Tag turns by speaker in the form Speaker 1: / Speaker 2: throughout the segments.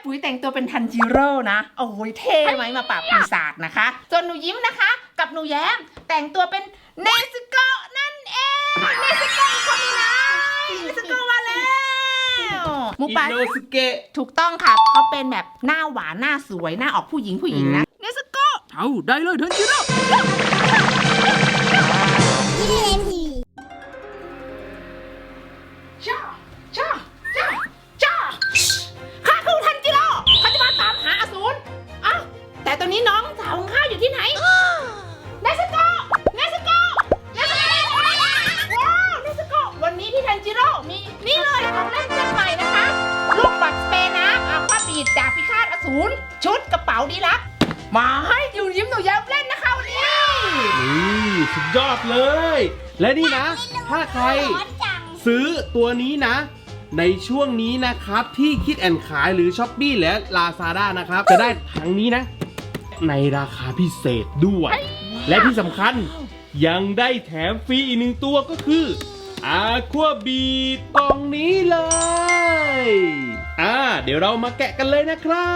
Speaker 1: ปุ๋ยแต่งตัวเป็นทันจิโร่นะโอ้โหเท่ไหมมาปราบปีศาจนะคะส่วนหนูยิ้มนะคะ กับหนูแย้มแต่งตัวเป็นเนซึโกะนั่นเองเนซึโกะอีกคนนึงนะเนซึโกะมาแล้วหมูป่า
Speaker 2: อิโนสุเกะ
Speaker 1: ถูกต้องค่ะเขาเป็นแบบหน้าหวานหน้าสวยหน้าออกผู้หญิงนะเนซึโกะเอาได้เลยทันจิโร่จ้าจ้าจ้าจ้าข้าคือทันจิโร่เขาจะมาตามหาอสูรอ้าวแต่ตอนนี้น้องสาวของข้าอยู่ที่ไหนเนซึโกะเนซึโกะเนซึโกะว้าวเนซึโกะวันนี้พี่ทันจิโร่มีนี่เลยของเล่นชิ้นใหม่นะคะลูกปัดสเปรย์น้ำอาควาบีดดาบพิฆาตอสูรชุดกระเป๋าดีลักมาให้อยู่ยิ้มหนูแย้มเล่นนะคะวันนี้
Speaker 2: นี่สุดยอดเลย และนี่นะ ถ้าใครซื้อตัวนี้นะ ในช่วงนี้นะครับที่คิดแอนขายหรือช้อปปี้และ Lazada นะครับจะได้ทั้งนี้นะ ในราคาพิเศษด้วย และที่สำคัญยังได้แถมฟรีอีกหนึ่งตัวก็คือ Aqua Beat กล่องนี้เลยเดี๋ยวเรามาแกะกันเลยนะครับ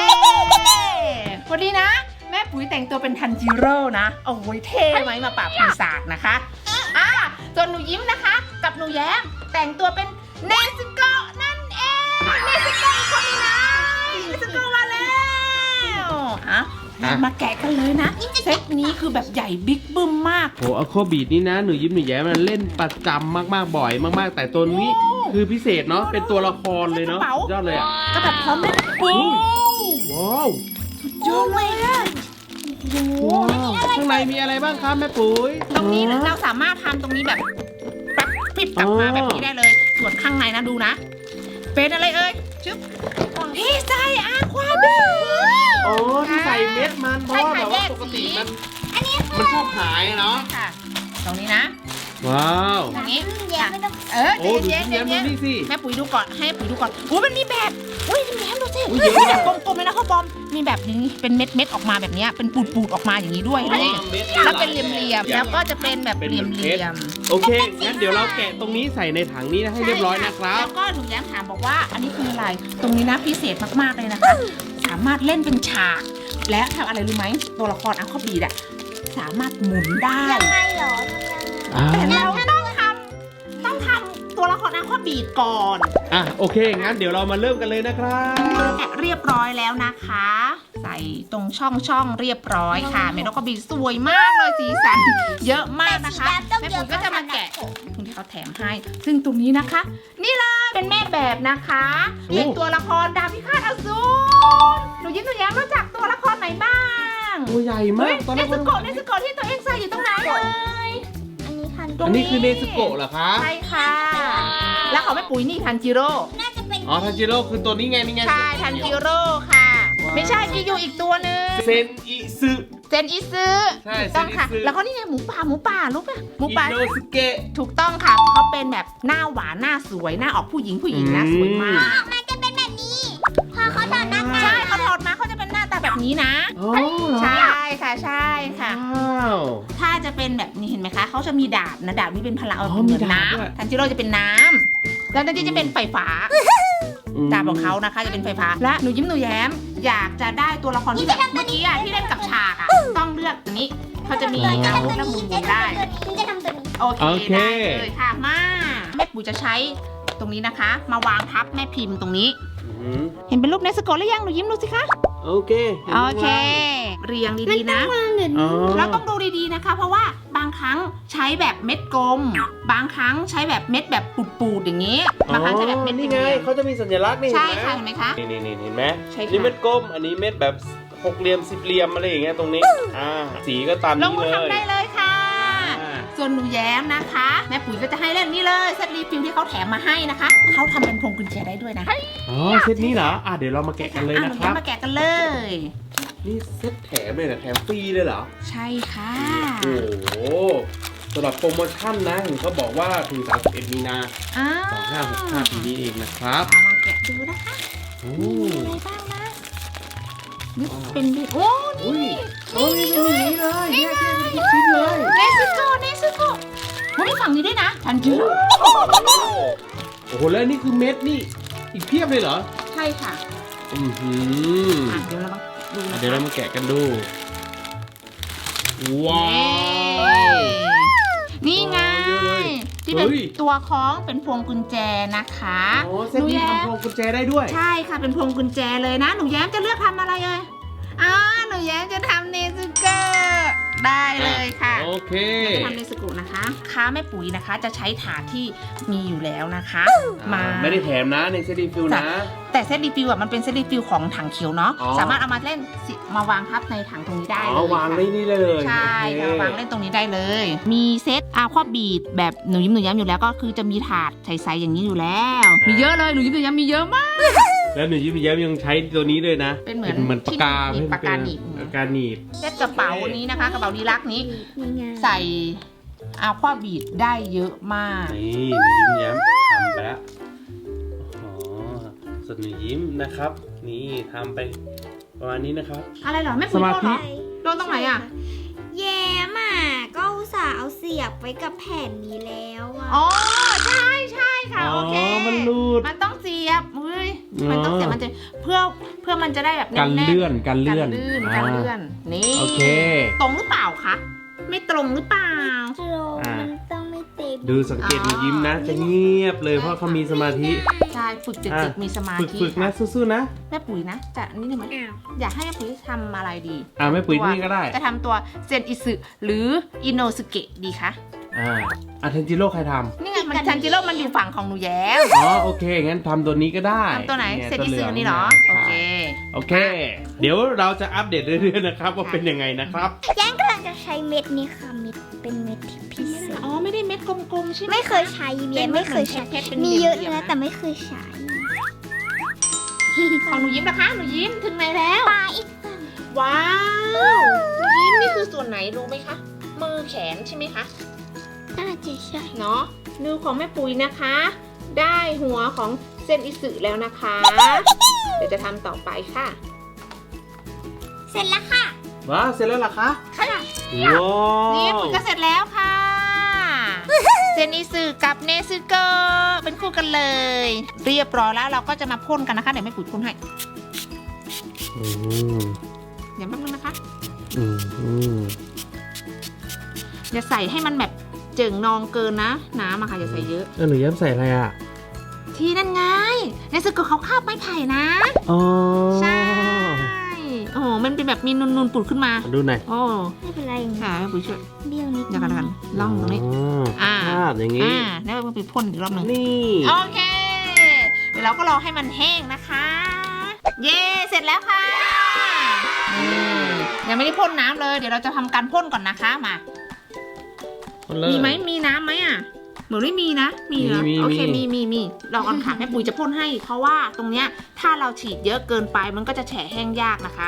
Speaker 1: วันนี้นะแม่ปุ๋ยแต่งตัวเป็นทันจิโร่นะโอ้โหเท่ไหมมาปราบปีศาจนะคะส่วนหนูยิ้มนะคะ กับหนูแย้มแต่งตัวเป็นเนซึโกะนั่นเองเนซึโกะอีกคนนึงนะเนซึโกะมาแล้วมาแกะกันเลยนะเซตนี้คือแบบใหญ่บิ๊กบึ้มมาก
Speaker 2: โหAqua Beatนี่นะหนูยิ้มหนูแย้มมันเล่นประจำมากๆบ่อยมากๆแต่ตัวนี้คือพิเศษเนาะเป็นตัวละครเลยเนาะยอดเลยอ่ะ
Speaker 1: ก็แบบพร้อมเล่นปุ๊บ
Speaker 2: ว้าว
Speaker 1: เยอะเลยอะโอ้โห
Speaker 2: ข้างในมีอะไรบ้างครับแม่ปุ๋ย
Speaker 1: ตรงนี้เราสามารถทำตรงนี้แบบแป๊บพริบกลับมาแบบนี้ได้เลยส่วนข้างในนะดูนะเป็นอะไรเอ่ยชึบพี่ใส่Aqua Beat
Speaker 2: อ๋อที่ใส่เม็ดมันเพราะว่าแบบว่าปกติมันชอบหายเนาะ
Speaker 1: ค่ะตรงนี้นะ
Speaker 2: ว้าว
Speaker 1: ตรงนี้
Speaker 2: โอ้ดูยิ้มดูนี่สิ
Speaker 1: แม่ปุ๋ยดูก่อนให้ปุ๋ยดูก่อนโอ้มันมีแบบอุ้ยแย้มดูสิแบบกลมๆเลยนะข้าวบอมมีแบบนี้เป็นเม็ดออกมาแบบนี้เป็นปูดออกมาอย่างนี้ด้วยนี่แล้วเป็นเหลี่ยมๆแล้วก็จะเป็นแบบเหลี่ยม
Speaker 2: โอเคงั้นเดี๋ยวเราแกะตรงนี้ใส่ในถังนี้นะให้เรียบร้อยนะครับ
Speaker 1: แล้วก็หนูแย้มถามบอกว่าอันนี้คืออะไรตรงนี้นะพิเศษมากๆเลยนะคะสามารถเล่นเป็นฉากและทำอะไรรู้ไหมตัวละครAqua Beatอะสามารถหมุนได้
Speaker 3: ยังไงเหรอ
Speaker 1: แต่เราต้องทำตัวละครAqua Beatก่อน
Speaker 2: โอเคงั้นเดี๋ยวเรามาเริ่มกันเลยนะครับ
Speaker 1: แกะเรียบร้อยแล้วนะคะ ใส่ตรงช่องเรียบร้อยค่ะเมนAqua Beatสวยมากเลยสีสันเยอะมากนะคะแม่ปุ๋ยก็จะมาแกะตรงที่เขาแถมให้ซึ่งตรงนี้นะคะ นี่เลยเป็นแม่แบบนะคะเป็นตัวละครดาบพิฆาตอสูรหนูยิ้มหนูแย้มรู้จักตัวละครไหนบ้าง
Speaker 2: ตัวใหญ่มากตอน
Speaker 1: เน
Speaker 2: แรก
Speaker 1: ซึโกะที่ตัวเองใส่อยู่ตรงไหนเลย
Speaker 2: อันนี้คือเนซึโกะเหรอคะ
Speaker 1: ใช่ค่ะ แล้วของแม่ปุ๋ยนี่ทันจิโร่
Speaker 3: น่าจะเป็น
Speaker 2: อ๋อทันจิโร่คือตัวนี้ไงนี่ไง
Speaker 1: ใช่ทันจิโร่ค่ะ ไม่ใช่มีอยู่อีกตัวหนึง
Speaker 2: เซนอิซึ
Speaker 1: เซนอิซึ
Speaker 2: ใช่
Speaker 1: ถูกต้องค่ะ
Speaker 2: เซนอิซึ
Speaker 1: แล้วก็นี่ไงหมูป่ารู้ป่ะหมู
Speaker 2: อิ
Speaker 1: ป่า
Speaker 2: โนสุเกะ
Speaker 1: ถูกต้องค่ะเขาเป็นแบบหน้าหวานหน้าสวยหน้าออกผู้หญิงนะสวยมาก
Speaker 3: มันจะเป็นแบบนี้ พอเขาถอดหน้ากาก
Speaker 1: ใช่เขาถอดมาเขาจะเป็นหน้าตาแบบนี้นะ
Speaker 2: อ๋อเหรอ
Speaker 1: ใช่ค่ะใช่ค่ะ
Speaker 2: ว้าว
Speaker 1: ถ้าจะเป็นแบบนี้เห็นไหมคะเขาจะมีดาบนะดาบนี้เป็นพลัง
Speaker 2: อ๋อ
Speaker 1: เหมือน
Speaker 2: มีดาบด้วย
Speaker 1: น้ำทันจิโร่จะเป็นน้ำแล้วนั่นจะเป็นไฟฟ้า ดาบของเขานะคะจะเป็นไฟฟ้าและหนูยิ้มหนูแย้มอยากจะได้ตัวละครที่แบบเมื่อกี้ที่เล่นกับฉากต้องเลือกตัวนี้เขาจะมีอาวุธและหมุนได้
Speaker 3: ฉันจะทำตัวนี้
Speaker 1: โอเคได้เลยค่ะมาแม่ปุ๋ยจะใช้ตรงนี้นะคะ มาวางทับแม่พิมพ์ตรงนี้ เห็นเป็นรูปเนสโกะหรือยังหนูยิ้มดูสิคะ
Speaker 2: โอเค
Speaker 1: โอเค เรียงดีๆนะ
Speaker 2: อ๋อ
Speaker 1: เราต้องดูดีๆนะคะ เพราะว่าบางครั้งใช้แบบเม็ดกลม บางครั้งใช้แบบเม็ดแบบปูดๆอย่างนี้บางครั้งใช้แบบเม็ด
Speaker 2: นี่ไงเขาจะมีสัญลักษณ์นี่
Speaker 1: ใช่
Speaker 2: เห็นไหม
Speaker 1: ค่ะเห็นไหมคะ
Speaker 2: นี่เห็นไหม
Speaker 1: ใช่ค่ะ
Speaker 2: นี่เม็ดกลมอันนี้เม็ดแบบหกเหลี่ยมสิบเหลี่ยมอะไรอย่างเงี้ยตรงนี้สีก็ตาม
Speaker 1: ล
Speaker 2: นี้
Speaker 1: งมือ
Speaker 2: เลย
Speaker 1: ทำได้เลยค่ะ
Speaker 2: อ่า
Speaker 1: ส่วนหนูแย้มนะคะแม่ปุ๋ยก็จะให้เล่นนี่เลยเซตรีฟิลที่เขาแถมมาให้นะคะเขาทำเป็นพวงกุญแจได้ด้วยนะ
Speaker 2: อ๋อเซตนี้เหรอเดี๋ยวเรามาแกะกันเลย
Speaker 1: ห
Speaker 2: นะ
Speaker 1: นู
Speaker 2: ค
Speaker 1: แย้
Speaker 2: รั
Speaker 1: ม
Speaker 2: บ
Speaker 1: มาแกะกันเลย
Speaker 2: นี่เซตแถมเลยนะแถมฟรีเลยเหรอ
Speaker 1: ใช่ค่ะ
Speaker 2: โอ้โหสำหรับโปรโมชั่นนะเห็นเขาบอกว่าถึง31มีนา 2565ปีนี้เองนะครับ
Speaker 1: เอามาแกะดูนะคะ
Speaker 2: โอ้
Speaker 1: มีอะไรบ้างนะนี่เป็นดิโอ้
Speaker 2: อุ้ย
Speaker 1: นี่
Speaker 2: โอ้ยเป็นอย่างนี้เลยแยกเป็นชิ้นๆเลย
Speaker 1: เนซึโกะโอ้ยมีฝั่งนี้ด้วยนะทันจิโร่
Speaker 2: โอ้โหแล้วนี่คือเม็ดนี่อีกเพียบเลยเหรอ
Speaker 1: ใช่ค่ะ
Speaker 2: โอ้
Speaker 1: เดี๋ยวเรามาดูนะคะ
Speaker 2: เดี๋ยวเรามาแกะกันดูว้าว
Speaker 1: นี่ไง
Speaker 2: เยอะเลย
Speaker 1: ที่เป็น
Speaker 2: เฮ้ย
Speaker 1: ตัวคล้องเป็นพวงกุญแจนะคะ
Speaker 2: โอ้เส้นนี้ทำพวงกุญแจได้ด้วย
Speaker 1: ใช่ค่ะเป็นพวงกุญแจเลยนะหนูแย้มจะเลือกทำอะไรเอ่ยหนูแย้มจะทำเนซึเกอร์ได้เลยค่ะ
Speaker 2: โอเค
Speaker 1: จะทำเนซึกุนะคะค้าแม่ปุ๋ยนะคะ จะใช้ถาดที่มีอยู่แล้วนะคะมา
Speaker 2: ไม่ได้แถมนะในเซตรีฟิลนะ
Speaker 1: แต่เซตรีฟิลมันเป็นเซตรีฟิลของถังเขียวเนาะ
Speaker 2: อ๋อ
Speaker 1: สามารถเอามาเล่นมาวางทับในถังตรงนี้ได้เลย
Speaker 2: วางได้
Speaker 1: ค่ะ
Speaker 2: นี่เลย
Speaker 1: ใช่
Speaker 2: โอเค
Speaker 1: ค่ะวางเล่นตรงนี้ได้เลย มีเซตอาควาบีดแบบหนูยิ้มหนูย้ำอยู่แล้วก็คือจะมีถาดใสๆอย่างนี้อยู่แล้ว มีเยอะเลยหนูยิ้มหนูย้ำมีเยอะมาก
Speaker 2: แล้วหนูยิ้มแย้มยังใช้ตัวนี้ด้วยนะ
Speaker 1: เป็นเหมือน
Speaker 2: ปากกา
Speaker 1: ที่หนีบปากกาหนีบ
Speaker 2: ปากกาหนีบ
Speaker 1: เซตกระเป๋านี้นะคะกระเป๋าดีลักนี้
Speaker 3: นี่ไง
Speaker 1: ใส่อาควาบีดได้เยอะมาก
Speaker 2: นี่หนูยิ้มแย้มทำไปแล้วอ๋อส่วนหนูยิ้มนะครับ นี่ทำไปประมาณนี้นะครับ
Speaker 1: อะไรเหรอไม่ปุ๋ย
Speaker 2: สมาธิ
Speaker 1: โดนเหรอโดนตรงไหนอ่ะ
Speaker 3: แย้มอ่ะก็อุตส่าห์เอาเสียบไว้กับแผ่นนี้แล้วอ่ะ
Speaker 1: อ๋อใช่ใช่ค่ะโอเค
Speaker 2: มันรูด
Speaker 1: มันต้องเสียบเฮ้ย
Speaker 2: อ๋อ
Speaker 1: มันต้องเสียบมันจะเพื่อมันจะได้แบบ
Speaker 2: กัน
Speaker 1: แๆ
Speaker 2: เลื่อนกันเลื่อน
Speaker 1: กันเลื่อนนี่
Speaker 2: โอเค
Speaker 1: ตรงหรือเปล่าคะไม่ตรงหรือเปล่า
Speaker 3: โจมันต้องไม่เต็ม
Speaker 2: ดูสังเกตหนูยิ้มนะ จะเงียบเลยเพราะเขามีสมาธิ
Speaker 1: ใช่ฝึกจิต
Speaker 2: อ่ะ
Speaker 1: จิตมีสมาธิ
Speaker 2: ฝึกนะสู้ๆนะ
Speaker 1: แม่ปุ๋ยนะจะนี่หนึ่งไหม
Speaker 3: อ้าว
Speaker 1: อยากให้แม่ปุ๋ยทำอะไรดี
Speaker 2: ไม่ปุ๋ยนี่ก็ได้
Speaker 1: จะทำตัวเซนอิสึหรืออิโนสุเกะดีคะ
Speaker 2: อาเทนจิโร่ใครท
Speaker 1: นี่ไงมันทันจิโร่มันอยู่ฝั่งของหนูแย้ม
Speaker 2: ำอ๋อโอเค งั้นทำตัวนี้ก็ได้
Speaker 1: ทำตัวไหน
Speaker 2: ย
Speaker 1: เซนอิสึ
Speaker 2: ว
Speaker 1: นี่เหรอ
Speaker 2: ใช่
Speaker 1: โอเค
Speaker 2: โอเค เดี๋ยวเราจะอัปเดตเรื่อยๆนะครับว่าเป็นยังไงนะครับ
Speaker 3: แย้มกำลังจะใช้เม็ดนี้ค่ะเม็ดเป็นเม็ดที่พิเศษ
Speaker 1: อ๋อไม่ได้เม็ดกลมๆใช่ไหม
Speaker 3: ไม่เคยใช้แย้มไม่เคยใช้
Speaker 1: เป็นเพชร
Speaker 3: มีเยอะ
Speaker 1: เป็นเหลี่ยมๆ
Speaker 3: นะ
Speaker 1: นะ
Speaker 3: แต่ไม่เคยใช้
Speaker 1: ของหนูยิ้มนะคะหนูยิ้มถึงไหนแล้ว
Speaker 3: ปลาอีก
Speaker 1: ว้าวหนูยิ้มนี่คือส่วนไหนรู้ไหมคะมือแขนใช่ไหมคะ
Speaker 3: น่าจะใช่
Speaker 1: เนาะนิ้วของแม่ปุ๋ยนะคะ ได้หัวของเซนอิสึแล้วนะคะ เดี๋ยวจะทำต่อไปค่ะ
Speaker 3: เสร็จแล้วค่ะ
Speaker 2: ว้าวเสร็จแล้วเหรอคะ
Speaker 1: ค่ะ
Speaker 2: ว้า
Speaker 1: นี่
Speaker 2: ว
Speaker 1: ปุ๋ยก็เสร็จแล้วค่ะ เซนอิสึกับเนซึโกะเป็นคู่กันเลย เรียบร้อยแล้วเราก็จะมาพ่นกันนะคะเดี๋ยวแม่ปุ๋ยพ่นให้
Speaker 2: อืม
Speaker 1: เดี๋ยวแป๊บนึงนะคะ
Speaker 2: อืมอืม
Speaker 1: อย่าใส่ให้มันแบบเจิ่งนองเกินนะน้ำอะค่ะอย่าใส่เยอะ
Speaker 2: แล้วหนูย้ำใส่อะไรอ่ะ
Speaker 1: ที่นั่นไงเนซึโกะเขาคาบไม้ไผ่นะ
Speaker 2: อ๋อ
Speaker 1: ใช่โอ้โหมันเป็นแบบมีนูนๆปุดขึ้นมา
Speaker 2: ดูหน่อย
Speaker 1: โอ้
Speaker 3: ไม่เป็นไรอย่างนี้
Speaker 1: ค่ะแม่ปุ๋ยช่วย
Speaker 3: เบี้ยวนิด
Speaker 1: เดี๋ยวกันล่องตรงนี้
Speaker 2: อ่าภาพอย่างนี้
Speaker 1: แล้วแม่ปุ๋ยพ่นอีกรอบหนึ่ง
Speaker 2: นี่
Speaker 1: โอเค เดี๋ยวเราก็รอให้มันแห้งนะคะ เย้เสร็จแล้วค่ะยังไม่ได้พ่นน้ำเลย เดี๋ยวเราจะทำการพ่นก่อนนะคะมา มีไหมมีน้ำไหมอ่ะเหมือนไม่มีนะ มีเหรอโอเคมีลองก่อนค่ะแม่ปุ๋ยจะพ่นให้ เพราะว่าตรงเนี้ยถ้าเราฉีดเยอะเกินไปมันก็จะแฉะแห้งยากนะคะ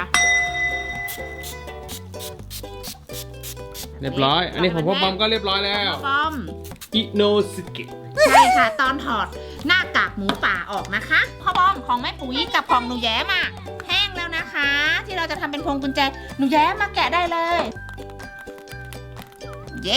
Speaker 2: เรียบร้อย อันนี้ของพ่อบอมก็เรียบร้อยแล้ว
Speaker 1: บอม
Speaker 2: อิโนสึเกะ
Speaker 1: ใช่ค่ะ ตอนถอดหน้ากากหมูป่าออกนะคะพ่อบอมของแม่ปุ๋ยกับของหนูแย้มอ่ะแห้งแล้วนะคะ ที่เราจะทำเป็นพวงกุญแจหนูแย้มมาแกะได้เลย เย้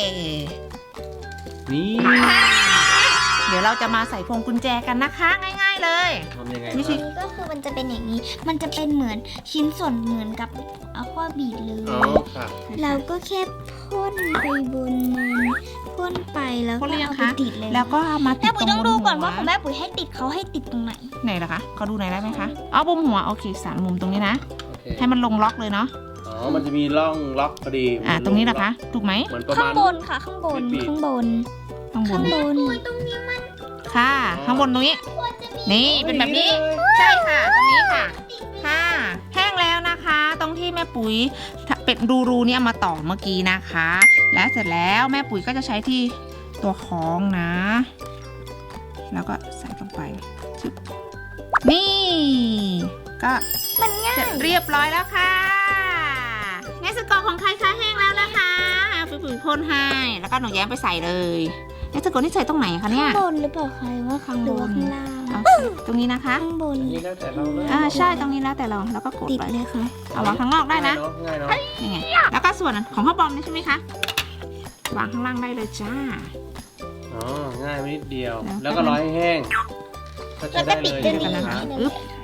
Speaker 2: นี่
Speaker 1: เดี๋ยวเราจะมาใส่พวงกุญแจกันนะคะ ง่ายๆเลย
Speaker 2: ทำยังไง
Speaker 1: ไม่ใช่
Speaker 3: อันนี้ก็คือมันจะเป็นอย่างนี้ มันจะเป็นเหมือนชิ้นส่วนเหมือนกับอะควาบีดเลย
Speaker 2: อ๋อค่ะ
Speaker 3: เราก็แค่พ่นไปบนมันพ่นไปแล้ว
Speaker 1: พ่
Speaker 3: ก็
Speaker 1: นหรือยัง
Speaker 3: เอาไป
Speaker 1: คะ
Speaker 3: ติดเลย
Speaker 1: แล้วก็เอามาติ
Speaker 3: แม่
Speaker 1: ด
Speaker 3: ปุ๋ย
Speaker 1: ตร
Speaker 3: ต้อง งดูก่อนว่า
Speaker 1: บ
Speaker 3: ของแม่ปุ๋ยให้ติดเขาให้ติดตรงไหน
Speaker 1: ไหนล่ะคะเขาดูไหนอยได้ไหมคะเอาบุมหัวโอเค3มุมตรงนี้นะ
Speaker 2: โอเค
Speaker 1: ให้มันลงล็อกเลยเนาะ
Speaker 2: อ๋อ มันจะมีร่องล็อกพอดี
Speaker 1: ตรงนี้ล่ะคะถูกไหม
Speaker 2: เหมือนประ
Speaker 3: ข้า
Speaker 2: มาณ
Speaker 3: งบนค่ะ ข้างบน
Speaker 2: ปิด
Speaker 3: ข้างบน
Speaker 1: ข้างบ
Speaker 3: ข้าง
Speaker 1: น
Speaker 3: บนตรงนี้มัน
Speaker 1: ค่ะ ข้างบนตรงนี้ นี่เป็นแบบนี้ ใช่ค่ะ ตรงนี้ค่ะ ค่ะ แห้งแล้วนะคะ ตรงที่แม่ปุ๋ยเป็นรูๆเนี่ยมาต่อเมื่อกี้นะคะ และเสร็จแล้วแม่ปุ๋ยก็จะใช้ที่ตัวคล้องนะ แล้วก็ใส่ลงไปชึบนี่ ก็
Speaker 3: มันง่า
Speaker 1: เสร็
Speaker 3: ย
Speaker 1: จเรียบร้อยแล้วค่ะเนสกอของใครคะแห้งแล้วนะคะปุ๋ยพ่นให้ แล้วก็หนูแย้มไปใส่เลยเนสกอนี่ใส่ตรงไหนคะเนี่ย
Speaker 3: ข้างบนหรือเปล่าคะหรือว่าข้างบนข้างล่าง
Speaker 1: เอาตรงนี้นะคะ
Speaker 3: ข้างบน
Speaker 2: อันนี้แล้วแต่เราเลย
Speaker 1: ใช่ตรงนี้แล้วแต่เราแล้วก็กด
Speaker 3: ติด
Speaker 1: ไป
Speaker 3: เลยค่ะ
Speaker 1: เอาวางข้างนอกได้นะ
Speaker 2: ง่ายเนาะ
Speaker 1: นี่ไงแล้วก็ส่วนของข้าวบอมนี่ใช่ไหมคะวางข้างล่างได้เลยจ้า
Speaker 2: อ๋อ ง่ายไปนิดเดียว
Speaker 1: แล้ว
Speaker 2: แล้วก็รอให้แห้งก็ใช้ได้เลย
Speaker 3: แล้วก็ติด
Speaker 1: กันนะคะ
Speaker 3: นี่
Speaker 1: อึ๊บ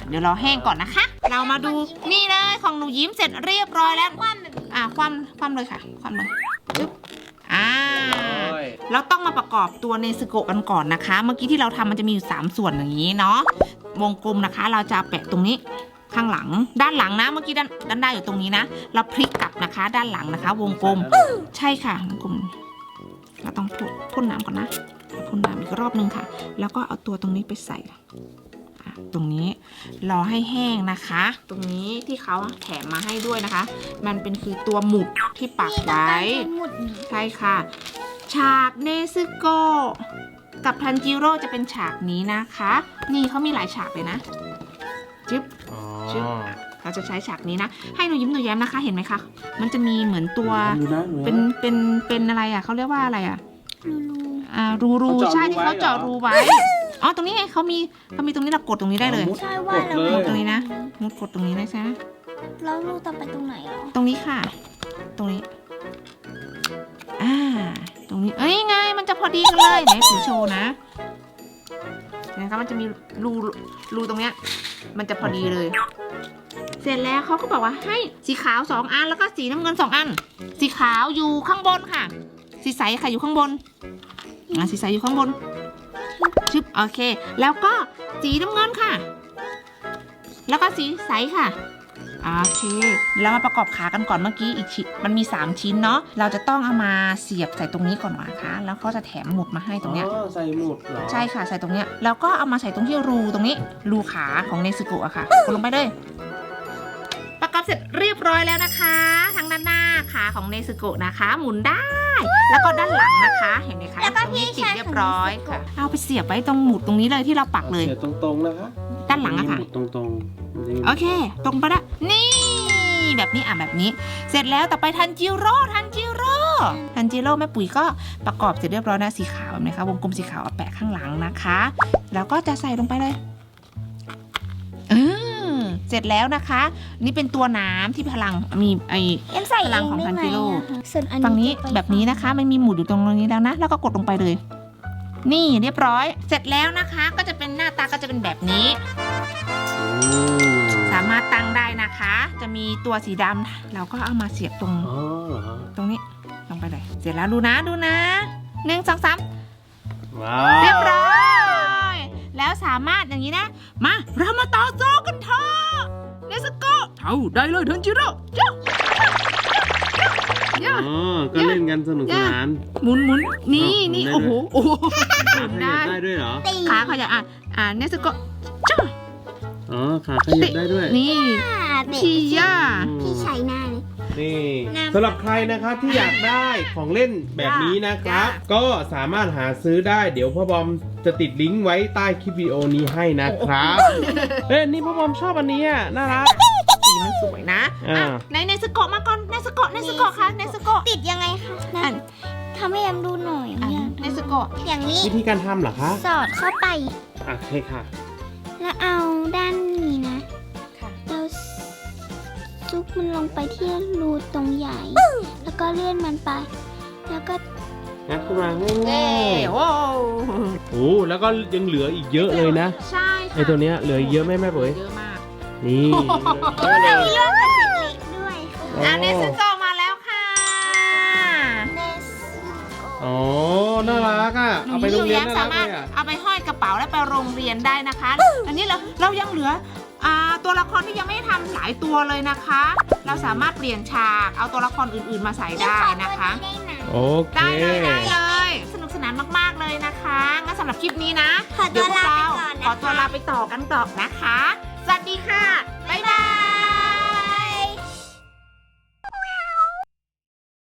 Speaker 1: เดี๋ยวรอแห้งก่อนนะคะ เรามาดูนี่เลยของหนูยิ้มเสร็จเรียบร้อยแล้ว
Speaker 3: คว่ำแบบนี้
Speaker 1: คว่ำเลยค่ะคว่ำเลยจึ๊บเราต้องมาประกอบตัวเนซึโกะกันก่อนนะคะ เมื่อกี้ที่เราทำมันจะมีอยู่3ส่วนอย่างนี้เนาะวงกลมนะคะ เราจะแปะตรงนี้ข้างหลังด้านหลังนะเมื่อกี้ด้านหน้าอยู่ตรงนี้นะเราพลิกกลับนะคะ ด้านหลังนะคะ วงกลมใช่ค่ะวงกลมเราต้องพ่นน้ำก่อนนะพ่นน้ำอีกรอบนึงค่ะ แล้วก็เอาตัวตรงนี้ไปใส่ตรงนี้รอให้แห้งนะคะ ตรงนี้ที่เขาแถมมาให้ด้วยนะคะ มันเป็นคือตัวหมุดที่ปักไว้
Speaker 3: หมุดนี้
Speaker 1: ใช่ค่ะ ฉากเนซึโกะกับทันจิโร่จะเป็นฉากนี้นะคะ นี่เขามีหลายฉากเลยนะจึ๊บ จึ๊บเราจะใช้ฉากนี้นะ ให้หนูยิ้มหนูแย้มนะคะ เห็นไหมคะ มันจะมีเหมือนตัว เป็นอะไรอ่ะเขาเรียกว่าอะไรอ่ะ รูใช่ที่เขาเจาะรูไว้ อ๋อ ตรงนี้ไงเขามีตรงนี้เรากดตรงนี้ได้เลย
Speaker 3: ใช่ว่าเรา
Speaker 1: กดตรงนี้นะมุดกดตรงนี้ได้ใช่ไหม
Speaker 3: แล้วลูกต่อไปตรงไหนเหรอ
Speaker 1: ตรงนี้ค่ะ ตรงนี้ ตรงนี้ เอ้ยไง มันจะพอดีกันเลยไหนถือโชว์นะนะคะมันจะมีรูตรงเนี้ย มันจะพอดีเลย เสร็จแล้วเขาก็บอกว่าให้สีขาว2อันแล้วก็สีน้ำเงิน2อัน สีขาวอยู่ข้างบนค่ะ สีใสค่ะอยู่ข้างบนสีใสอยู่ข้างบนชึบโอเค แล้วก็สีน้ำเงินค่ะ แล้วก็สีใสค่ะโอเคแล้วมาประกอบขากันก่อนเมื่อกี้อีกชิ้นมันมี3ชิ้นเนาะเราจะต้องเอามาเสียบใส่ตรงนี้ก่อนนะคะแล้วเขาจะแถมหมุดมาให้ตรงเนี้ย
Speaker 2: ใส่หมุดเหรอ
Speaker 1: ใช่ค่ะใส่ตรงเนี้ยแล้วก็เอามาใส่ตรงที่รูตรงนี้รูขาของเนซึโกะอะค่ะกดลงไปเลยประกอบเสร็จเรียบร้อยแล้วนะคะทั้งด้านหน้าขาของเนซึโกะนะคะ หมุนได้ แล้วก็ด้านหลังนะคะเห็นไหมคะ
Speaker 3: แล้วก็
Speaker 1: ตรงนี้
Speaker 3: ที่
Speaker 1: ติด
Speaker 3: ใช้
Speaker 1: เรียบร้อยค่ะเอาไปเสียบไว้ตรงหมุดตรงนี้เลยที่เราปักเลย
Speaker 2: เสียบตรงๆนะคะ
Speaker 1: ด้านหลังอะค่ะ
Speaker 2: หมุดตรงๆ
Speaker 1: โอเค ตรงไปละนี่แบบนี้แบบนี้ เสร็จแล้วต่อไปทันจิโร่แม่ปุ๋ยก็ประกอบเสร็จเรียบร้อยนะสีขาวแบบนี้คะวงกลมสีขาวเอาแปะข้างหลังนะคะแล้วก็จะใส่ลงไปเลยเสร็จแล้วนะคะ นี่เป็นตัวน้ำที่พลังมี
Speaker 3: ยังใส่
Speaker 1: พลังของทันจิโร่
Speaker 3: ส่วนอัน
Speaker 1: ฝั่งนี้
Speaker 3: จะไป
Speaker 1: แบบนี้นะคะ มันมีหมุดอยู่ตรงนี้แล้วนะแล้วก็กดลงไปเลย นี่เรียบร้อย เสร็จแล้วนะคะ ก็จะเป็นหน้าตาก็จะเป็นแบบนี้ สามารถตั้งได้นะคะ จะมีตัวสีดำเราก็เอามาเสียบตรง
Speaker 2: อ๋อเหรอ
Speaker 1: ตรงนี้ลงไปเลย เสร็จแล้วดูนะ1 2 3
Speaker 2: ว้า
Speaker 1: เรียบ
Speaker 2: ว
Speaker 1: ร้อย แล้วสามารถอย่างนี้นะ มาเรามาต่อสู้กันเถอะเนซึโกะเอาได้เลยทันจิโร่ย่า
Speaker 2: อ๋อก็เล่นกันสนุกสนาน
Speaker 1: หมุนนี่โอ้โหหมุน
Speaker 2: ได้
Speaker 1: ได้
Speaker 2: ด้วยเหรอ
Speaker 1: ขาเขาจะเนซึโกะจ้า
Speaker 2: อ๋อขาขยับได้ด้วย
Speaker 1: นี่
Speaker 3: เด็ก
Speaker 1: พี่ย่า
Speaker 3: พี่ใช้หน้าเลย
Speaker 2: นี่
Speaker 3: น้ำ
Speaker 2: สำหรับใครนะครับที่อยากได้ของเล่นแบบนี้นะครับ ก็สามารถหาซื้อได้เดี๋ยวพ่อบอมจะติดลิงก์ไว้ใต้คลิปวิดีโอนี้ให้นะครับเอ้ยนี่พ่อบอมชอบอันนี้อ่ะน่ารัก
Speaker 1: สีมันสวยนะ ในเนซึโกะมาก่อนเนซึโกะค่ะเนซึโกะ
Speaker 3: ติดยังไงคะนั่นทำให้ยมดูหน่อย
Speaker 1: เนซึโกะ
Speaker 3: อย่างนี้
Speaker 2: วิธีการทำเหรอคะ
Speaker 3: สอดเข้าไป
Speaker 2: ใช่ค่ะ
Speaker 3: แล้วเอาด้านนี้นะ
Speaker 1: ค่ะ
Speaker 3: เราซุกมันลงไปที่รูตรงใหญ่ แล้วก็เลื่อนมันไป แล้วก็
Speaker 2: งัดขึ้นมาง่
Speaker 1: เย้
Speaker 2: าย
Speaker 1: โอ้
Speaker 2: ๆโอ้แล้วก็ยังเหลืออีกเยอะเลยนะ
Speaker 1: ใช่ค่ะ
Speaker 2: ไอตัวเนี้ยเหลือเยอะไหมแม่ปุ๋ย
Speaker 1: เยอะมาก
Speaker 2: นี่
Speaker 3: มีเลื่อนพลาสติกเล็กด้วยค่ะ
Speaker 1: เนซึโกะมาแล้วค่ะ
Speaker 3: เนส
Speaker 2: อ๋อน่ารักอ่ะเอาไปโรงเรียนน่ารั
Speaker 1: สาก มารถ
Speaker 2: เลยอ่ะ
Speaker 1: เอาไปห้อยกระเป๋าและไปโรงเรียนได้นะคะ อันนี้เรายังเหลือตัวละครที่ยังไม่ได้ทำหลายตัวเลยนะคะ เราสามารถเปลี่ยนฉากเอาตัวละครอื่นๆมาใส่ได้นะคะ
Speaker 3: ได้ไหม
Speaker 2: โอเค
Speaker 1: ได้เลยสนุกสนานมากๆเลยนะคะงั้นสำหรับคลิปนี้นะ
Speaker 3: ขอตั
Speaker 1: เดี๋ยว วพวก
Speaker 3: ลา
Speaker 1: เรา
Speaker 3: ไปก่อนนะคะ
Speaker 1: ขอตัวลาไปต่อกันต่อนะคะ สวัสดีค่ะ